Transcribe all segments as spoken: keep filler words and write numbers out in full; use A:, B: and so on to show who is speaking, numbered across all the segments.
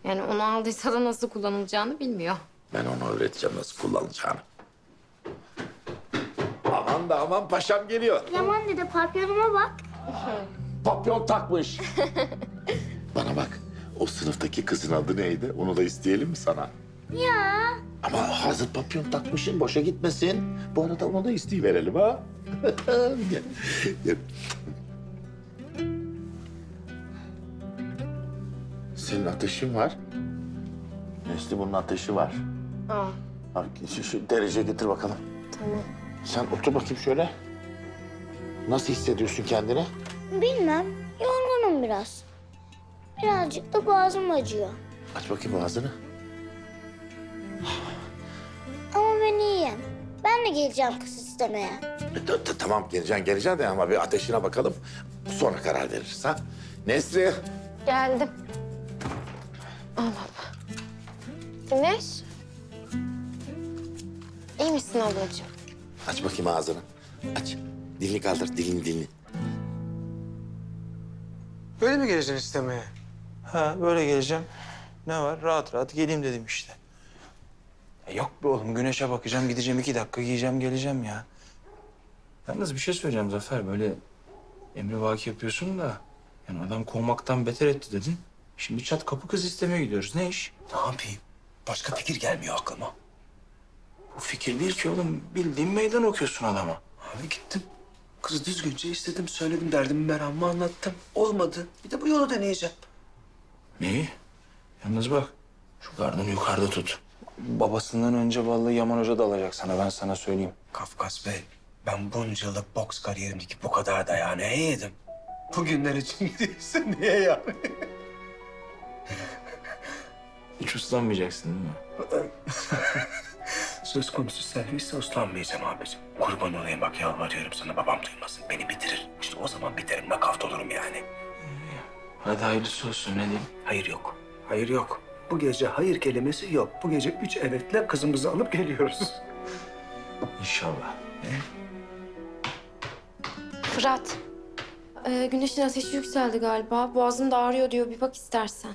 A: Yani onu aldıysa da nasıl kullanılacağını bilmiyor.
B: Ben onu öğreteceğim nasıl kullanacağını. Aman da aman paşam geliyor.
C: Yaman dede papyonuma bak.
B: Papyon takmış. Bana bak, o sınıftaki kızın adı neydi? Onu da isteyelim mi sana?
C: Ya.
B: Ama hazır papyon takmışsın, boşa gitmesin. Bu arada onu da isteyiverelim ha. Gel, gel. Senin ateşin var. Nesli bunun ateşi var.
A: Aa,
B: Bak, şu, şu derece getir bakalım.
A: tamam.
B: Sen otur bakayım şöyle. Nasıl hissediyorsun kendini?
C: Bilmem. Yorgunum biraz. Birazcık da boğazım acıyor.
B: Aç bakayım ağzını.
C: Ama ben iyiyim. Ben de geleceğim kız istemeye.
B: E, t- t- Tamam geleceksin geleceksin de ama bir ateşine bakalım. Sonra karar veririz ha. Nesri.
A: Geldim. Al baba. Güneş. İyi misin ablacığım?
B: Aç bakayım ağzını. Aç. Dilini kaldır, dilini dilini.
D: Böyle mi geleceksin istemeye?
E: Ha böyle geleceğim. Ne var? Rahat rahat geleyim dedim işte. E, yok be oğlum güneşe bakacağım gideceğim iki dakika giyeceğim geleceğim ya. Yalnız bir şey söyleyeceğim Zafer böyle emrivaki yapıyorsun da yani adam kovmaktan beter etti dedin. Şimdi çat kapı kız istemeye gidiyoruz. Ne iş?
F: Ne yapayım? Başka fikir gelmiyor aklıma.
E: Bu fikir değil ki oğlum. Bildiğin meydan okuyorsun adama.
F: Abi gittim. Kızı düzgünce istedim, söyledim, derdimi, meramımı anlattım. Olmadı. Bir de bu yolu deneyeceğim.
E: Neyi? Yalnız bak şu gardını yukarıda tut. Babasından önce vallahi Yaman Hoca da alacak sana ben sana söyleyeyim.
F: Kafkas Bey, ben bunca yıllık boks kariyerimdeki bu kadar dayağı neye yedim? Bugünler için değilse niye yani?
E: Hiç uslanmayacaksın değil mi?
F: Söz konusu servisse uslanmayacağım abicim. Kurban olayım bak yalvarıyorum sana babam duymasın. Beni bitirir. İşte o zaman biterim, nakavt olurum yani.
E: Hadi hayırlısı olsun ne diyeyim?
F: Hayır yok. Hayır yok. Bu gece hayır kelimesi yok. Bu gece üç evetle kızımızı alıp geliyoruz.
E: İnşallah.
A: Fırat. Ee, Güneş'in ateşi yükseldi galiba. Boğazım da ağrıyor diyor. Bir bak istersen.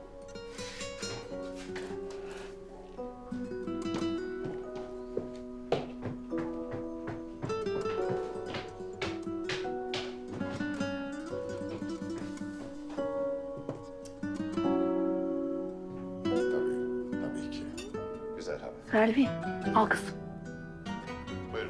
B: Tabii ki. Güzel haber.
G: Selvi, al kızım.
B: Buyurun.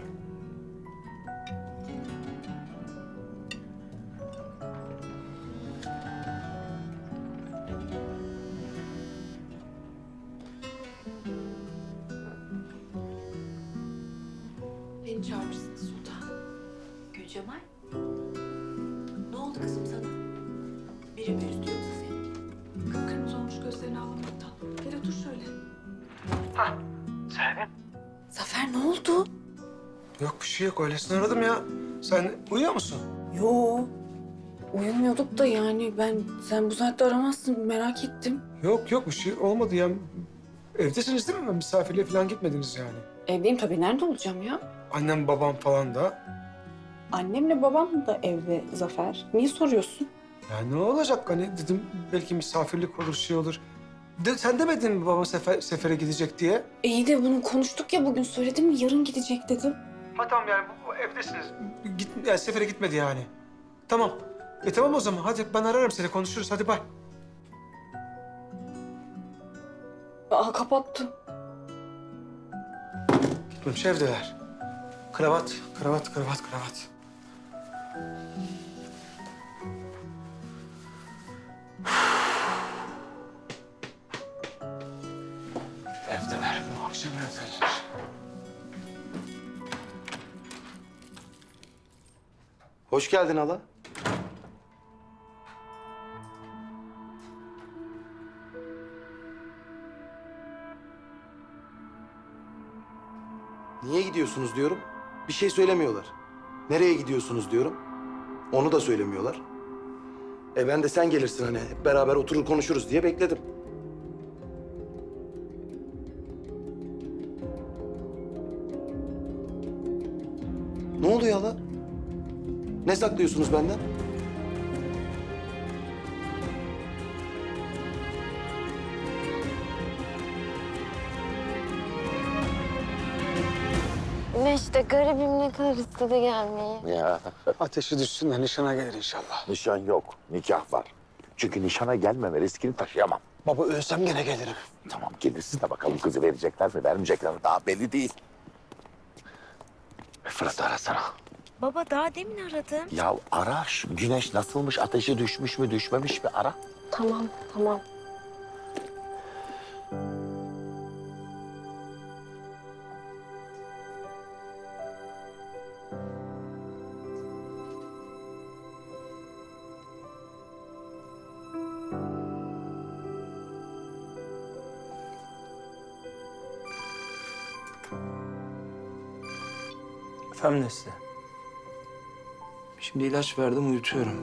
G: Beni çağırırsın Sultan. Gülcemal. Ne oldu kızım sana? Biri mi üzdü yoksa seni? Kıpkırmızı olmuş gözlerini ağlamaktan. Gel otur şöyle. Zafer ne oldu?
D: Yok bir şey yok. Öylesine aradım ya. Sen uyuyor musun?
H: Yo. Uyumuyorduk da yani ben sen bu saatte aramazsın merak ettim.
D: Yok yok bir şey olmadı ya. Evdesiniz değil mi? Misafirliğe falan gitmediniz yani.
H: Evdeyim tabii nerede olacağım ya?
D: Annem babam falan da.
H: Annemle babam da evde Zafer. Niye soruyorsun?
D: Ya ne olacak hani dedim belki misafirlik olur şey olur. De, sen demedin mi baba sefer, sefere gidecek diye?
H: İyi de bunu konuştuk ya bugün söyledim mi yarın gidecek dedim.
D: Ha tamam yani bu, bu evdesiniz. Git, yani sefere gitmedi yani. Tamam. E tamam o zaman hadi ben ararım seni konuşuruz hadi bay.
H: Aa kapattı.
D: Gitmemiş evdeler. Kravat, kravat, kravat, kravat.
E: Evdeler bu akşam evdeler.
I: Hoş geldin hala. Niye gidiyorsunuz diyorum. Bir şey söylemiyorlar. Nereye gidiyorsunuz diyorum. Onu da söylemiyorlar. E ben de sen gelirsin hani hep beraber oturur konuşuruz diye bekledim. Ne oluyor hala? Ne saklıyorsunuz benden?
A: Güneş de garibim ne kadar istedi gelmeyi.
B: Ya
D: Ateşi düşsün de nişana gelir inşallah.
B: nişan yok, nikah var. Çünkü nişana gelmeme riskini taşıyamam.
D: Baba ölsem gene gelirim.
B: Tamam gelirsin de bakalım kızı verecekler mi vermeyecekler mi daha belli değil. Fırat'ı arasana.
A: Baba daha demin aradım.
B: Ya ara şu güneş nasılmış, ateşi düşmüş mü düşmemiş mi ara.
A: Tamam, tamam.
E: Efendim Nesli. Şimdi ilaç verdim uyutuyorum.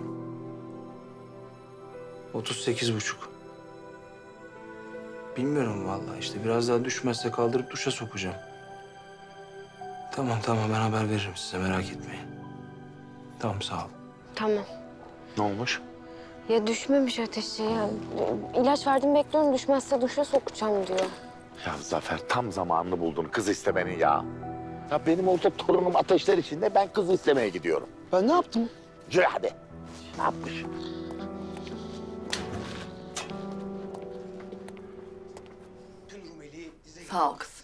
E: Otuz sekiz buçuk. Bilmiyorum vallahi işte biraz daha düşmezse kaldırıp duşa sokacağım. Tamam tamam ben haber veririm size merak etmeyin. Tamam sağ ol.
A: Tamam.
B: Ne olmuş?
A: Ya düşmemiş ateşi ya. İlaç verdim bekliyorum düşmezse duşa sokacağım diyor.
B: Ya Zafer tam zamanını buldun kız istemenin ya. Ya benim orada torunum ateşler içinde ben kız istemeye gidiyorum.
D: Ben ne yaptım?
B: Cüy hadi. Ne yapmış?
G: Sağ ol kızım.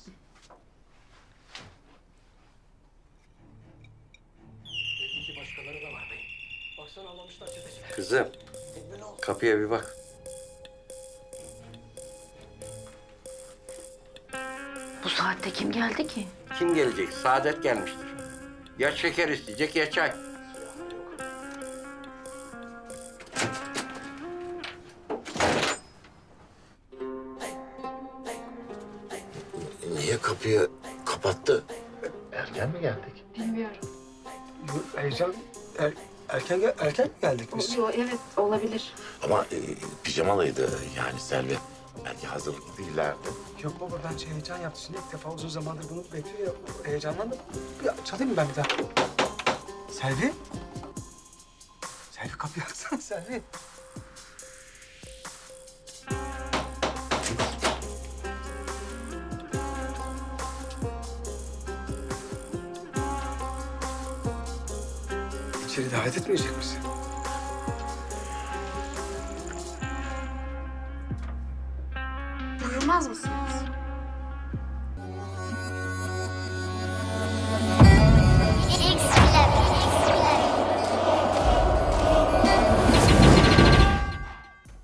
F: Kızım, kapıya bir bak.
G: Bu saatte kim geldi ki?
F: Kim gelecek? Saadet gelmiştir. Ya şeker isteyecek ya çay.
B: Niye kapıyı kapattı? Erken mi geldik?
A: Bilmiyorum.
D: Heyecan, er, erken, gel- erken mi geldik biz?
A: Evet olabilir.
B: Ama e, pijamalıydı yani Selvi. Belki hazırlıklı değillerdi.
D: Yok baba ben şey heyecan yaptım. Şimdi ilk defa uzun zamandır bunu bekliyor ya. Heyecanlandım. Ya, çalayım mı ben bir daha? Selvi? Selvi kapıyı açsana Selvi. İçeri davet etmeyecek misin?
A: Buyurmaz mısınız?